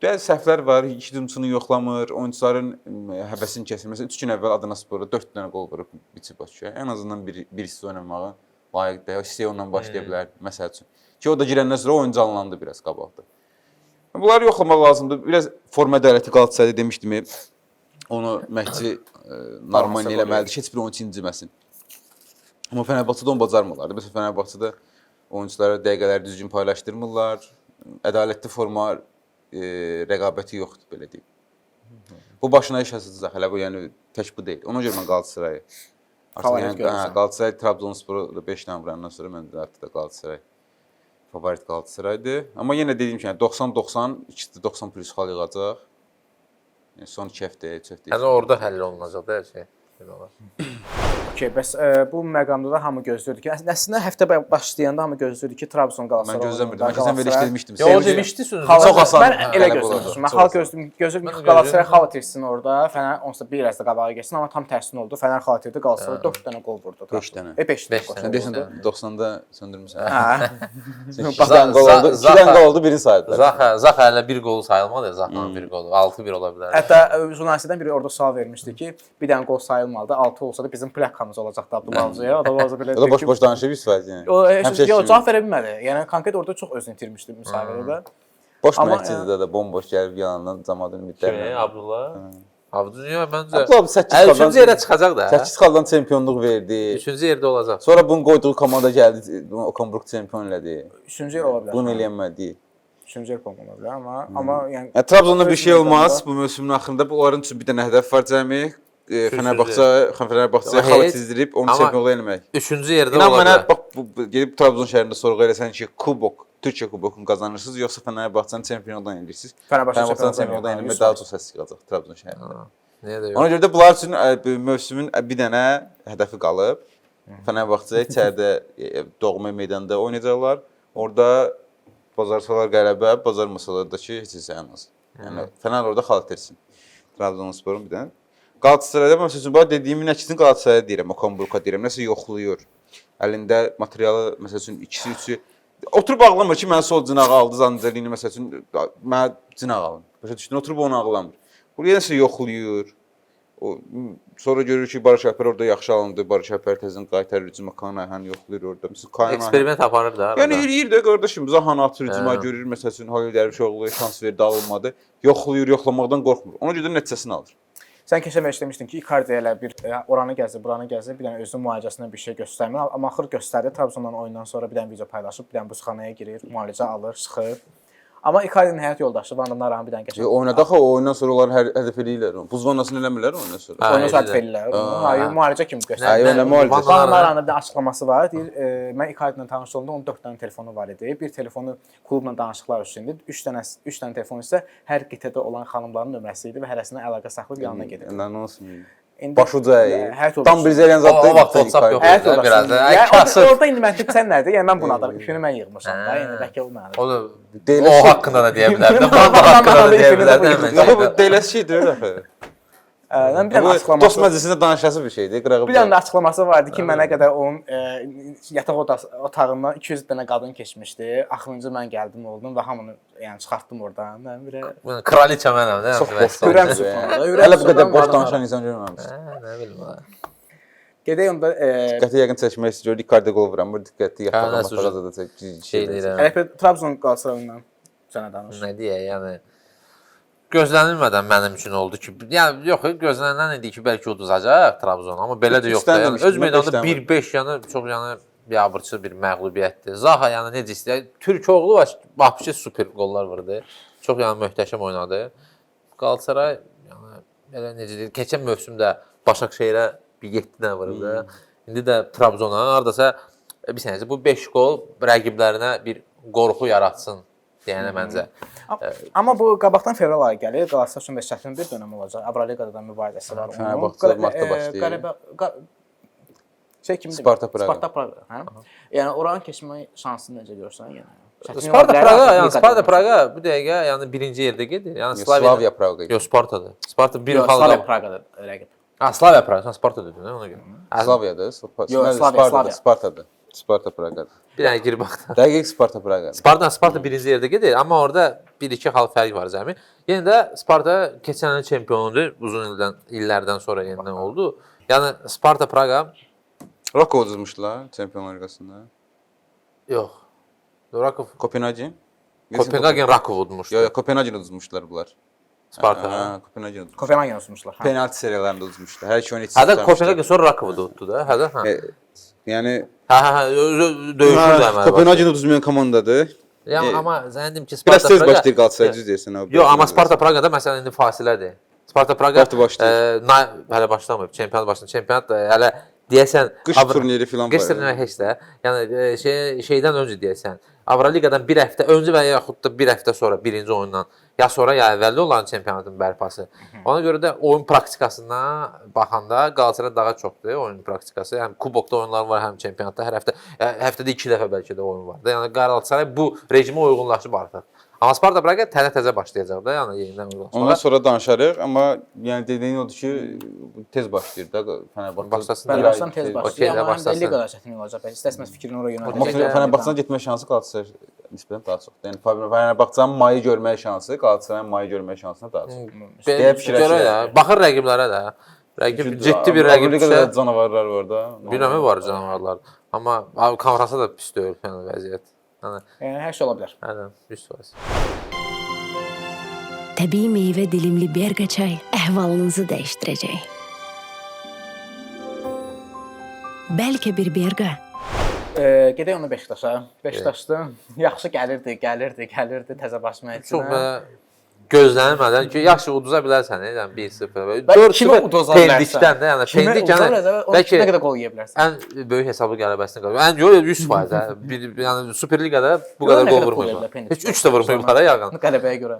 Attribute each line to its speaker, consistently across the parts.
Speaker 1: Bəzi səhvlər var, iki hücumçunu yoxlamır, oyunçuların həvəsini kəsir. Məsələn, 3 gün əvvəl Adana Sporda 4 dənə qol vurub biçib Bakıya. Ən azından birisi oynamağa layiqdir. Hissəyə ondan başlaya bilər, məsəl üçün. Ki, o da girəndən sonra oyun canlandı biraz qabaqda. Bunları yoxlamaq lazımdır. Biraz forma ədalətli Qalatasaray demişdim. Onu məşqçi normal eləməlidir ki, heç bir oyunçu inciməsin. Amma Fenerbahçedə onu bacarmırlar. Məsələn, Fenerbahçedə oyunçulara dəqiqələri düzgün paylaşdırmırlar. Ədalətli forma rəqabəti yoxdur, belə deyim. Bu başına iş asılacaq, hələ bu, yəni tək bu deyil. Ona görə mən Qalatasarayı
Speaker 2: favorit görürsən.
Speaker 1: Qalatasaray Trabzonsporu 5 dənə vurandan sonra mən də artıq da Qalatasaray favorit Qalatasaraydır. Amma yenə dediyim kimi 90-90, ikisi 90 plus xal yığacaq. Yəni son 2 həftəyə çox deyil.
Speaker 3: Yəni orada həll olunacaq da hər şey. Belə olar.
Speaker 2: Okey, bəs bu məqamda da hamı gözləyirdi ki, əslində həftə başlayanda hamı gözləyirdi ki, Trabzon Qalatasaray.
Speaker 1: Mən gözləmirdim. Mən keçən veriliş demişdim.
Speaker 3: Ya o demişdi sözü.
Speaker 1: Çox asan.
Speaker 2: Mən elə gözləmişdim. Mən xal gözlədim ki, Qalatasaray xal itirsin orada, Fənər onsuz da bir az da qabağa getsin, amma tam tərsinə oldu. Fənər xal itirdi, Qalatasaray 4 dənə qol vurdu.
Speaker 1: 5 dənə.
Speaker 2: 5 dənə.
Speaker 1: Sən deyirsən 90-da söndürmüsən.
Speaker 2: Hə.
Speaker 1: 2 dənə qol oldu. 2 dənə qol oldu, birini saydılar.
Speaker 3: Zaxa hələ bir qol sayılmadı, Zaxanın bir qolu. 6-1 ola bilər.
Speaker 2: Hətta jurnalistdən biri orada sual vermişdi ki, bir dənə qol sayılmalıdı, 6 olsa da bizim plakamız olacaqdı Abdullah. O da
Speaker 1: boş-boş danışıb 100% yəni.
Speaker 2: O yox, cavab verə bilmədi. Yəni konkret orada çox özünü itirmişdi müsahibədə.
Speaker 1: Boş məşqçidir də bomboş gəlib yanından cəmaatın ümidlərini.
Speaker 3: Abdullah. Abdullah məncə.
Speaker 1: Abdullah 8 xaldan
Speaker 3: 3-cü yerə çıxacaq da.
Speaker 1: 8 xaldan çempionluq verdi.
Speaker 3: 3-cü yerdə olacaq.
Speaker 1: Sonra bunun qoyduğu komanda gəldi, Okamburg çempion elədi.
Speaker 2: 3-cü yer ola bilər.
Speaker 1: Bunu eləyənmədi.
Speaker 2: 3-cü yer ola bilər, amma yəni
Speaker 1: Trabzonda bir şey olmaz bu mövsümün axırında. Bunların üçün bir dənə hədəf var cəmi. Fenerbahçe xalat çizdirib onu çempionluq eləmək.
Speaker 3: 3-cü yerdə
Speaker 1: İnan
Speaker 3: ola
Speaker 1: mənə
Speaker 3: bilər.
Speaker 1: bax gedib Trabzon şəhərində sorğu eləsən ki, kubok, Türkiyə kubokunu qazanırsınız yoxsa Fenerbahçenin çempionluqdan eləyirsiniz? Fenerbahçenin çempionluqdan eləmək daha çox səs çıxacaq Trabzon şəhərində.
Speaker 3: Niyə də yox?
Speaker 1: Ona görə də bunlar üçün mövsümün bir dənə hədəfi qalıb. Fenerbahçe içəridə doğma meydanda oynayacaqlar. Orada bacarsalar qələbə, bacarmasalar da ki, heç isə ən az. Yəni Fener orada xal itirsin. Trabzonsporun bir dənə. Qalatasarayda məsələn bax dediyimin əksinə Qalatasaraya deyirəm, Okamburqa deyirəm. Nəsə yoxlayır. Əlində materialı məsəl üçün 2-si 3-ü oturub ağlamır ki, mən sol cinağı aldı Zanzelini məsəl üçün mən cinaq alım. Başa düşdün? Oturub onu ağlamır. Buraya nəsə yoxlayır. O sonra görür ki, Barış Alper orada yaxşı alındı. Barış Alper təzən qaytarır hücuma Kanayhan yoxlayır orada. Məsələn Kanayhan
Speaker 3: Eksperiment aparır da.
Speaker 1: Yəni eləyir də qardaşım. Zahan atır hücuma görür məsəl üçün Halil Dərvişoğlu şans verdi, alınmadı. Yoxlayır, yoxlamaqdan qorxmur. Ona görə də nəticəsini alır.
Speaker 2: sən keçən məşq demişdin ki, Icardi elə bir oranı gəzdi, buranı gəzdi, bir dənə özünün müalicəsindən bir şey göstərmir. Amma axır göstərdi. Trabzondan oyundan sonra bir dənə video paylaşıb, bir dənə buzxanaya girir, müalicə alır, çıxır. Amma Icardi'nin həyat yoldaşı Van Naranı bir dənə keçən.
Speaker 1: Oynadaq o oyundan sonra onlar hər hədəf eləyirlər. Buz vannasını eləmirlər ondan sonra.
Speaker 2: Oyunu səhv edirlər. Hayır, müalicə kimi göstərir.
Speaker 1: Hayır, müalicə.
Speaker 2: Van Naranın bir açıqlaması var. Deyir, mən Icardi ilə tanış olanda onun 4 dənə telefonu var idi. Bir telefonu klubla danışıqlar üçün idi. 3 dənə telefon isə hər qitədə olan xanımların nömrəsi idi və hərəsinə əlaqə saxlayıb yanına gedirdi.
Speaker 1: Nə olsun? Başuca. Tam bir zələn
Speaker 3: O vaxt WhatsApp yox idi biraz da.
Speaker 2: Yəni orada indi mən sən nədir? Yəni mən buna da ipini mən yığmışam da. Yəni bəlkə o mənim.
Speaker 3: O da o haqqında da deyə bilərdim. Banda haqqında da deyə bilərdim.
Speaker 1: Bu deyiləsi şeydir axı.
Speaker 2: Bir dənə açıqlaması.
Speaker 1: Dost məclisində danışası bir şeydir.
Speaker 2: Bir dənə açıqlaması vardı ki, mənə qədər onun yataq otağından 200 dənə qadın keçmişdi. Axırıncı mən gəldim oldum və hamını yəni çıxartdım oradan. Mən bir
Speaker 3: kraliça mənəm, nə
Speaker 2: ürəm sıxmadı.
Speaker 1: Hələ bu qədər boş danışan insan görməmişdim.
Speaker 3: Nə bilim.
Speaker 2: Gedək onda
Speaker 1: diqqəti yəqin çəkmək istəyir. Icardi qol vuran, bu diqqəti yaxalamaq da çək
Speaker 3: şey deyirəm.
Speaker 2: Hələ Trabzon Qalatasarayından sənə danış.
Speaker 3: Nə deyək, yəni gözlənilmədən mənim üçün oldu ki, yəni yox, gözlənilən idi ki, bəlkə uduzacaq Trabzon, amma belə də yox da. Yəni öz meydanda 1-5, yəni çox yəni biabırçı bir məğlubiyyətdir. Zaha yəni necə istəyir? Türkoğlu vəhşi super qollar vurdu. Çox yəni möhtəşəm oynadı. Qalatasaray yəni belə necə deyir, keçən mövsümdə Başakşehirə bir 7 dənə vurdu. İndi də Trabzona hardasa bir sənəcə bu 5 qol rəqiblərinə bir qorxu yaratsın deyənə məncə.
Speaker 2: Amma bu qabaqdan fevral ayı gəlir. Qalatasaray üçün də çətin bir dönəm olacaq. Avroliqada da mübarizəsi var.
Speaker 1: Fenerbahçe martda başlayır.
Speaker 2: Şey kimdir?
Speaker 1: Sparta Praqa.
Speaker 2: Sparta Praqa, hə? Yəni oranın keçmə şansını necə görsən yəni?
Speaker 3: Sparta Praqa bu dəqiqə yəni birinci yerdə gedir. Yəni
Speaker 1: Slavia Praqa.
Speaker 3: Yox, Spartadır. Sparta bir xalq.
Speaker 2: Slavia Praqadır rəqib.
Speaker 3: Ha, Slavia Praqa, sən Sparta dedin, ona görə.
Speaker 1: Slaviyadır.
Speaker 2: Yox, Spartadır.
Speaker 1: Spartadır. Sparta Praqa.
Speaker 3: Bir dənə girib baxdım.
Speaker 1: Dəqiq Sparta Praqa.
Speaker 3: Sparta birinci yerdə gedir, amma orada 1-2 xal fərq var cəmi. Yenə də Sparta keçən il çempionudur, uzun illərdən sonra yenidən oldu. Yəni Sparta Praqa
Speaker 1: Rakov uduzmuşdular Çempionlar Liqasında.
Speaker 3: yox. Rakov
Speaker 1: Kopenhagen.
Speaker 3: Kopenhagen Rakov udmuşdu.
Speaker 1: Yox, Kopenhagen uduzmuşdular bunlar.
Speaker 3: Sparta.
Speaker 1: Hə, Kopenhagen uduzmuşlar.
Speaker 2: Kopenhagen olmuşlar.
Speaker 1: Penalti seriyalarında uduzmuşlar. Hər iki oyun heç.
Speaker 3: Hədə Kopenhagen sonra Rakovu da uddu da. Hədə hə.
Speaker 1: Yəni
Speaker 3: döyüşürdü əməli.
Speaker 1: Kopenhagen uduzmayan komandadır.
Speaker 3: Yəni amma zənnim ki
Speaker 1: Biraz
Speaker 3: Sparta
Speaker 1: tez
Speaker 3: Praqa.
Speaker 1: başlayır Qalatasaray düz deyirsən abi.
Speaker 3: Yox, amma Sparta Praqada məsələn indi fasilədir. Sparta Praqa
Speaker 1: Sparta başlayır.
Speaker 3: hələ başlamayıb. Çempionat başlayır. Çempionat da hələ deyəsən
Speaker 1: Qış turniri filan var.
Speaker 3: Qış turniri heç də. Yəni şeydən öncə deyəsən. Avroliqadan bir həftə öncə və yaxud da bir həftə sonra birinci oyundan ya sonra ya əvvəldə olan çempionatın bərpası. Ona görə də oyun praktikasına baxanda Qalatasaray daha çoxdur oyun praktikası. Həm kubokda oyunlar var, həm çempionatda hər həftə həftədə 2 dəfə bəlkə də oyun var. Yəni Qalatasaray bu rejimə uyğunlaşıb artıq. Amma Sparta Praqa təzə başlayacaq da, yəni yenidən uyğunlaşmağa.
Speaker 1: Ondan sonra danışarıq, amma yəni dediyin odur ki, tez başlayır da Fənərbağçı.
Speaker 3: Başlasın.
Speaker 2: Fenerbahçe'den tez başlıyor
Speaker 3: Okey,
Speaker 2: ama hem de
Speaker 3: başlasın.
Speaker 2: ligada çətin olacaq. Bəlkə istəsəməz fikrini oraya
Speaker 1: Amma
Speaker 2: yönəldəcək.
Speaker 1: Fənərbağçıdan getmə şansı Qalatasaray nisbətən daha çoxdur. Yəni Fənərbağçının mayı görmək şansı Qalatasarayın mayı görmək şansına daha çoxdur. Deyə fikirləşir.
Speaker 3: Görə də, baxır rəqiblərə də. Rəqib ciddi bir rəqib
Speaker 1: Liqada
Speaker 3: düşsə,
Speaker 1: canavarlar var da.
Speaker 3: bilməmi var canavarlar. Amma konfransa da pis deyil yəni vəziyyət.
Speaker 2: Yəni hər şey ola bilər.
Speaker 3: Yəni 100%.
Speaker 4: Təbii meyvə dilimli berqa çay əhvalınızı dəyişdirəcək. Bəlkə bir berqa
Speaker 2: Gedək onu Beşiktaşa. Beşiktaşda yaxşı gəlirdi təzə baş
Speaker 3: Çox
Speaker 2: məşqçinə.
Speaker 3: belə gözlənilmədən ki, yaxşı uduza bilərsən, yəni 1-0.
Speaker 2: Bəlkə kimə uduza bilərsən?
Speaker 3: Pendikdən də, yəni
Speaker 2: Kimə
Speaker 3: pendik
Speaker 2: uduza
Speaker 3: yəni
Speaker 2: bilərsən?
Speaker 3: bəlkə
Speaker 2: Nə qədər gol yeyə bilərsən?
Speaker 3: ən böyük hesablı qələbəsini qazanıb. Yəni yox 100% hə. Yəni Superliqada bu qədər
Speaker 2: nə
Speaker 3: gol
Speaker 2: qədər pul
Speaker 3: vurmayıblar.
Speaker 2: veriblər Pendik?
Speaker 3: Heç 3 də vurmayıblar ha yağın.
Speaker 2: Qələbəyə görə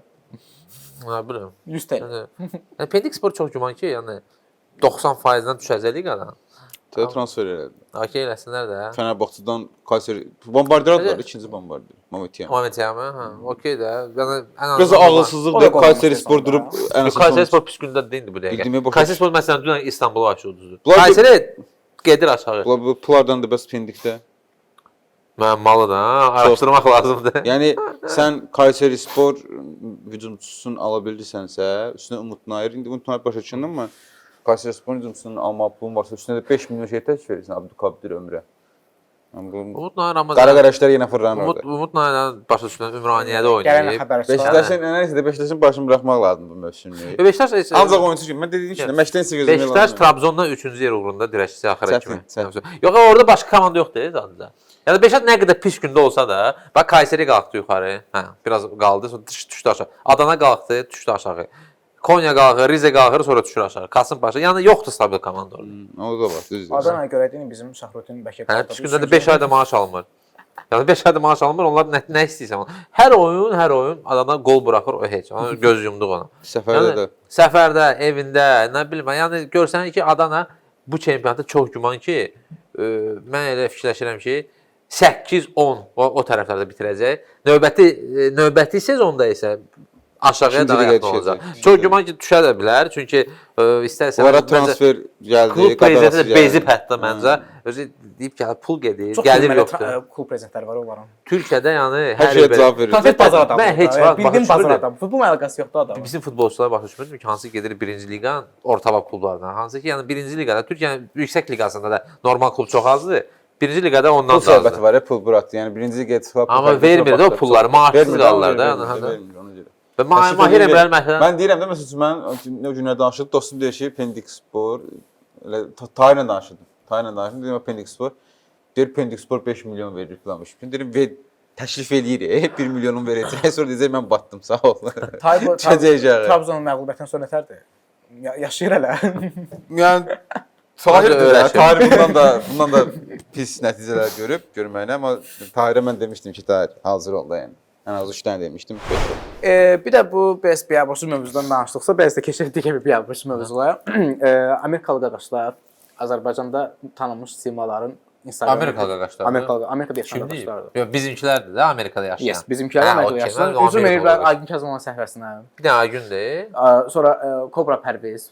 Speaker 3: Hə, bilmirəm.
Speaker 2: 100 TL.
Speaker 3: Yəni Pendik Spor çox güman ki, yəni 90%-dən düşəcək liqadan.
Speaker 1: Təzə transfer elədi.
Speaker 3: Okey eləsinlər də.
Speaker 1: Fənərbağçıdan Kayseri Bombardier aldılar, ikinci Bombardier. Mametiyam.
Speaker 3: Momentiyamı, hə, okey də. Yəni ən
Speaker 1: Biraz
Speaker 3: azından
Speaker 1: ağılsızlıqdır.
Speaker 2: O da
Speaker 1: Kayseri
Speaker 2: qol
Speaker 1: Spor durub ən
Speaker 3: Kayseri
Speaker 1: azından
Speaker 3: Spor pis gündə deyildi bu dəqiqə.
Speaker 1: Bildiyimə baxış-
Speaker 3: Kayseri Spor məsələn dünən İstanbulu aşağı uduzdu.
Speaker 1: Bunlar-
Speaker 3: Kayseri gedir aşağı.
Speaker 1: bu pullardan da bəs pendikdə.
Speaker 3: Müəmmalıdır ha, araşdırmaq lazımdır.
Speaker 1: Yəni sən Kayseri Spor hücumçusunu ala bildirsənsə, üstünə Umut Nayır, indi Umut Nayır başa düşündün mü? Kayseri Spor hücumçusunun alma pulun varsa üstünə də 5 milyon şey tək verirsən Abdülkadir Ömrə. Yəni bu
Speaker 3: Umut Nayır amma
Speaker 1: qara qəşlər yenə fırlanır.
Speaker 3: Umut Nayır başa düşülən Ümraniyədə
Speaker 2: Gələn
Speaker 3: oynayıb.
Speaker 2: xəbər çıxar.
Speaker 1: Beşiktaşın nəsə Beşiktaşın başını buraxmaq lazımdır bu mövsümlük.
Speaker 3: Beşiktaş
Speaker 1: Ancaq oyunçu kimi mən dediyim kimi məşqdən sizə gözləmək
Speaker 3: Beşiktaş Trabzonda 3-cü yer uğrunda dirəşçisi axıra
Speaker 1: Çətin,
Speaker 3: kimi.
Speaker 1: çətin.
Speaker 3: Yox, orada başqa komanda yoxdur zaten. Yəni Beşiktaş nə qədər pis gündə olsa da, bax Kayseri qalxdı yuxarı. Hə, biraz qaldı, sonra düşdü aşağı. Adana qalxdı, düşdü aşağı. Konya qalxır, Rize qalxır, sonra düşür aşağı. Kasımpaşa. Yəni yoxdur stabil komanda orada.
Speaker 1: O da var, düzdür.
Speaker 2: Adana'ya görə deyim bizim Şahrutin Bəkir.
Speaker 3: Hə, pis gündə də 5 ayda maaş almır. Yəni 5 ayda maaş almır, onlar nə istəyirsən. Hər oyun Adana gol buraxır, o heç. Ona göz yumduq ona.
Speaker 1: Səfərdə də.
Speaker 3: Səfərdə, evində, nə bilim, yəni görsən ki, Adana bu çempionatda çox güman ki, mən elə fikirləşirəm ki, 8-10 o tərəflərdə bitirəcək. Növbəti sezonda isə aşağıya daha yaxın olacaq. Çox güman ki, düşə də bilər. Çünki istərsən
Speaker 1: Onlara transfer gəldi,
Speaker 3: klub prezidenti
Speaker 1: qadarası
Speaker 3: də bezib hətta məncə. Özü deyib ki, pul gedir, gəlir yoxdur.
Speaker 2: Klub prezidentləri var onların.
Speaker 3: Türkiyədə yəni
Speaker 1: Hər şeyə cavab verir.
Speaker 2: Konfet bazar adamı.
Speaker 3: Mən heç vaxt
Speaker 2: bildim
Speaker 3: başa
Speaker 2: bazar
Speaker 3: düşmürdüm.
Speaker 2: adamı. Futbol əlaqəsi yoxdur adamın.
Speaker 3: Bizim futbolçular başa düşmürdüm ki, hansı gedir birinci liqanın orta klublarından. Hansı ki, yəni birinci liqada, Türkiyənin yüksək liqasında da normal klub çox azdır. Birinci liqada ondan
Speaker 1: Pul
Speaker 3: da
Speaker 1: söhbəti
Speaker 3: azdır.
Speaker 1: var ya, pul buraxdı. Yəni birinci liqaya çıxıb
Speaker 3: Amma vermir də o pulları, maaşsız qalırlar da.
Speaker 1: Vermir, ona görə.
Speaker 3: Və Mahir Emrəl məsələn
Speaker 1: Mən deyirəm də məsələn mən o günlər danışırdım. Dostum deyir ki, Pendik Spor elə Tayla danışırdım. Dedim Pendik Spor. Deyir Pendik Spor 5 milyon verir filan. Deyirəm təklif eləyir. 1 milyonun verəcək. Sonra deyəcək mən batdım, sağ ol.
Speaker 2: Trabzonun məğlubiyyətindən sonra nətərdir? Yaşayır hələ.
Speaker 1: Yəni Tahir bundan da pis nəticələr görməyinə, amma Tahirə mən demişdim ki, Tahir hazır ol da yəni. Ən az 3 dənə demişdim, 5 oldu.
Speaker 2: Bir də bu bəs biabırçı mövzudan danışdıqsa, bəs də keçirik digər bir biabırçı mövzulara. Amerikalı qardaşlar Azərbaycanda tanınmış simaların Instagram.
Speaker 3: Amerikalı qardaşlar.
Speaker 2: Amerikada yaşayan
Speaker 3: Kimdir?
Speaker 2: qardaşlardır.
Speaker 3: Yox, bizimkilərdir də Amerikada yaşayan.
Speaker 2: Yes, bizimkiler Amerikada
Speaker 3: okey,
Speaker 2: yaşayan.
Speaker 3: mən
Speaker 2: Üzüm
Speaker 3: Amerikalı
Speaker 2: eləyiblər
Speaker 3: qardaş.
Speaker 2: Aygün Kazımovun səhifəsinə.
Speaker 3: Bir dənə gündür.
Speaker 2: Sonra Kobra Pərviz.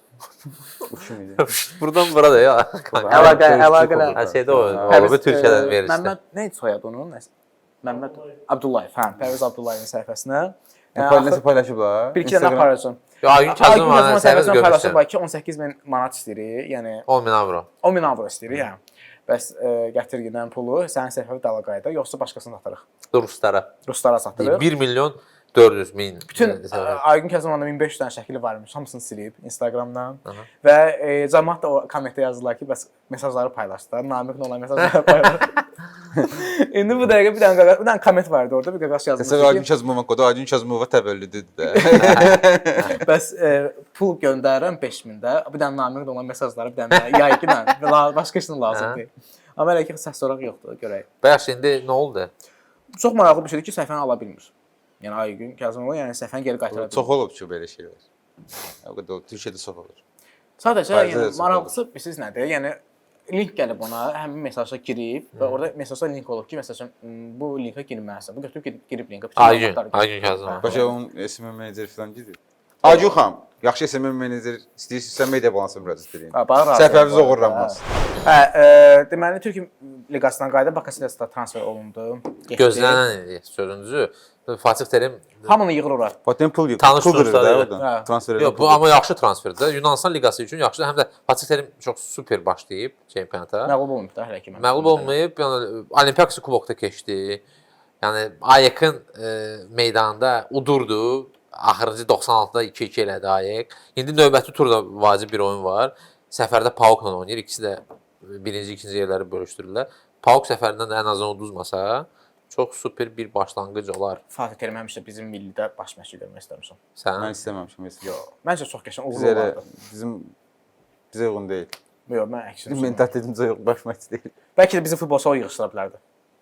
Speaker 3: Buradan bura da ya.
Speaker 2: Əlaqələr.
Speaker 3: Hər şeydə o.
Speaker 2: Pərviz,
Speaker 3: Bu Türkiyədən verir
Speaker 2: Məmməd
Speaker 3: işte.
Speaker 2: nə idi soyadı onun? Məmməd Abdullayev. Hə, Pərviz Abdullayevin səhifəsinə.
Speaker 1: Nəsə paylaşıblar.
Speaker 2: Bir iki dənə paylaşım.
Speaker 3: Yo, Aygün Kazımovun səhifəsi
Speaker 2: səhifəsində
Speaker 3: görmüşəm.
Speaker 2: paylaşıblar ki, 18.000 manat istəyirik. Yəni
Speaker 3: 10.000 avro.
Speaker 2: 10.000 avro istəyirik, hə. Bəs gətirgidən pulu sənin səhifəvi dalğayda yoxsa başqasına satırıq?
Speaker 3: Ruslara.
Speaker 2: Ruslara satırıq.
Speaker 3: 1 milyon 400 min.
Speaker 2: Bütün Aygün Kazımovun 1500 dənə şəkili varmış, hamısını silib Instagramdan. Və cəmaət də o kommentdə yazdılar ki, bəs mesajları paylaşdılar. Namiqlə olan mesajları paylaşdılar. İndi bu dəqiqə bir dənə komment vardı orada, bir qaqaş yazmış
Speaker 1: Təsəvvür Aygün
Speaker 2: ki,
Speaker 1: Kazımova qodu, Aygün Kazımova təvəllüdüdür də.
Speaker 2: bəs pul göndərirəm 5000-də, bir dənə Namiqlə olan mesajları bir dənə yayıqla, başqa işin lazım deyil. Amma elə ki, səs soraq yoxdur, görək.
Speaker 3: Bəs indi nə oldu?
Speaker 2: Çox maraqlı bir şeydir ki, səhifəni ala bilmir. Yəni Aygün Kazımova yəni səhifəni geri qaytara bilmir.
Speaker 1: Çox olub ki, belə şeylər. O qədər Türkiyədə çox olur.
Speaker 2: Sadəcə
Speaker 1: Fayda
Speaker 2: yəni
Speaker 1: da
Speaker 2: maraqlısı bilirsiniz nədir? Yəni link gəlib ona, həmin mesaja girib və orada mesajda link olub ki, məsələn bu linka girməlisən. Bu götürüb girib linka.
Speaker 3: Aygün Kazımov.
Speaker 1: Başa onun SMM meneceri falan girir. Aygün xanım, yaxşı SMM menecer istəyirsinizsə media balansına müraciət edin. Səhifəniz oğurlanmaz.
Speaker 2: Hə, deməli Türkiyə liqasından qayıdıb Bakasetasda transfer olundu.
Speaker 3: Gözlənən sözünüzü Fatih Terim
Speaker 2: hamını yığır ora.
Speaker 1: Patent pul
Speaker 3: Tanış
Speaker 1: pul verir
Speaker 3: dostları,
Speaker 1: də
Speaker 2: hə.
Speaker 1: oradan. Transfer edir.
Speaker 3: Yox, bu amma yaxşı transferdir. Yunanistan liqası üçün yaxşı. Həm də Fatih Terim çox super başlayıb çempionata.
Speaker 2: Məğlub olmayıb da hələ ki.
Speaker 3: Məğlub olmayıb, yəni Olimpiakos kubokda keçdi. Yəni AYK-ın meydanında udurdu. Axırıncı 96-da 2-2 elədi AYK. İndi növbəti turda vacib bir oyun var. Səfərdə PAOK-la oynayır. İkisi də birinci, ikinci yerləri bölüşdürürlər. PAOK səfərindən də ən azından uduzmasa, çox super bir başlanğıc olar.
Speaker 2: Fatih Terim həmişə bizim millidə baş məşqçi görmək istəmişəm.
Speaker 3: Sən?
Speaker 1: Mən istəməmişəm mesela.
Speaker 2: Yox, məncə çox qəşəng uğurlu
Speaker 1: Bizə
Speaker 2: olardı.
Speaker 1: bizə uyğun deyil.
Speaker 2: Yox, mən əksinə.
Speaker 1: Bizim mentalitetimiz yox, baş məşqçi deyil.
Speaker 2: Bəlkə də bizim futbolçular yığışdıra bilərdi.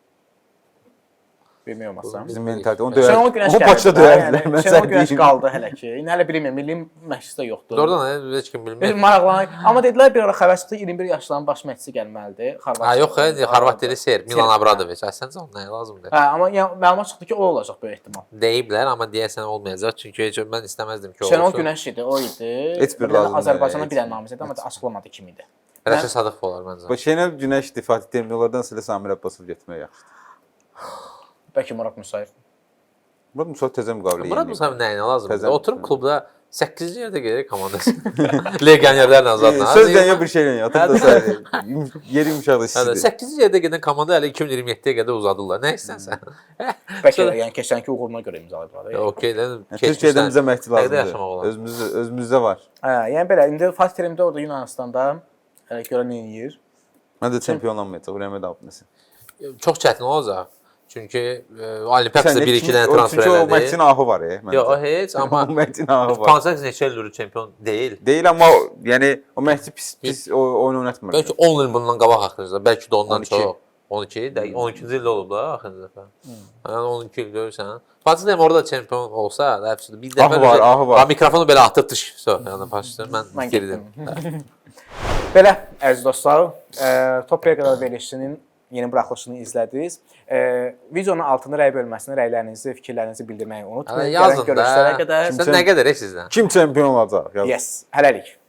Speaker 2: Bilmirəm aslında.
Speaker 1: Bizim mentalitet onu
Speaker 2: Şenol
Speaker 1: döyər.
Speaker 2: Günəş
Speaker 1: O Bakıda döyərdilər. Mən
Speaker 2: Şenol
Speaker 1: sən
Speaker 2: Günəş
Speaker 1: deyim.
Speaker 2: qaldı hələ ki. İndi hələ bilmirəm, milli məşqçisi də yoxdur.
Speaker 3: Doğrudan heç kim bilmir.
Speaker 2: Biz maraqlanırıq. Amma dedilər bir ara xəbər çıxdı 21 yaşlarının baş məşqçisi gəlməlidir.
Speaker 3: Ha yox, Xorvat dili ser, Milan Abradoviç. Əslində ona nəyə lazımdır?
Speaker 2: Hə, amma yəni məlumat çıxdı ki, o olacaq böyük ehtimal.
Speaker 3: Deyiblər, amma deyəsən olmayacaq. Çünki heç mən istəməzdim ki, o
Speaker 2: Şenol
Speaker 3: olsun.
Speaker 2: Günəş idi, o idi.
Speaker 1: Heç bir
Speaker 2: Bir dənə
Speaker 1: lazım deyil,
Speaker 2: Azərbaycana
Speaker 1: heç
Speaker 2: bir dənə namizəd, amma açıqlamadı kim idi.
Speaker 3: Rəşid Sadıqov olar məncə.
Speaker 1: Bu Şenol Günəş Fatih Terimlilərdən silə Samir Abbasov getmək yaxşıdır.
Speaker 2: Bəlkə Murad Musayev.
Speaker 1: Murad Musayev təzə müqavilə
Speaker 3: Murad Musayev nəyinə lazımdır?
Speaker 1: Təzə-
Speaker 3: Oturub klubda 8-ci yerdə gəlir komandası. Legionerlərlə azadla.
Speaker 1: Sözlə ya bir şeylə yatır da sən yeri yumşaqdır
Speaker 3: Hə,
Speaker 1: sizdir.
Speaker 3: 8-ci yerdə gedən komanda hələ 2027-yə qədər uzadırlar. Nə istərsən?
Speaker 2: Bəlkə də yəni keçənki uğuruna görə imzalayıblar.
Speaker 3: Okey,
Speaker 1: Türkiyədən bizə məhdud
Speaker 3: Nədə yaşamaq
Speaker 1: lazımdır.
Speaker 3: olar?
Speaker 1: Özümüzdə var.
Speaker 2: Hə, yəni belə indi Fatih Terim də orada Yunanistanda hələ görə nə edir?
Speaker 1: Mən də çempion olmayacaq, Ürəmə də apnəsə.
Speaker 3: Çox çətin olacaq. Çünki Olimpiakosda 1-2 dənə transfer
Speaker 1: Çünki o
Speaker 3: elədi.
Speaker 1: Mətin ahı var məncə.
Speaker 3: Yox, o heç, amma
Speaker 1: o Mətin ahı var.
Speaker 3: Pansak neçə ildir çempion deyil.
Speaker 1: Deyil amma yəni o Məhdi pis oyun oynatmır.
Speaker 3: Bəlkə 10 il bundan qabaq axırıncı, bəlkə də ondan
Speaker 1: 12.
Speaker 3: çox. 12, 12-ci ildə olub da axırıncı dəfə. Yəni 12 il görürsən. Fatih Terim orada çempion olsa, həbsdə bir dəfə
Speaker 1: ahı var.
Speaker 3: Mikrofonu belə atıb dış. Yəni başlayır. Mən girdim.
Speaker 2: Belə əziz dostlar, Top Reqalar verilişinin yeni buraxılışını izlədiniz. Videonun altında rəy bölməsində rəylərinizi, fikirlərinizi bildirməyi unutmayın.
Speaker 3: Yazın da.
Speaker 2: Görüşlərə qədər.
Speaker 3: Sən nə qədər sizdən?
Speaker 1: Kim çempion olacaq?
Speaker 2: Yes, hələlik.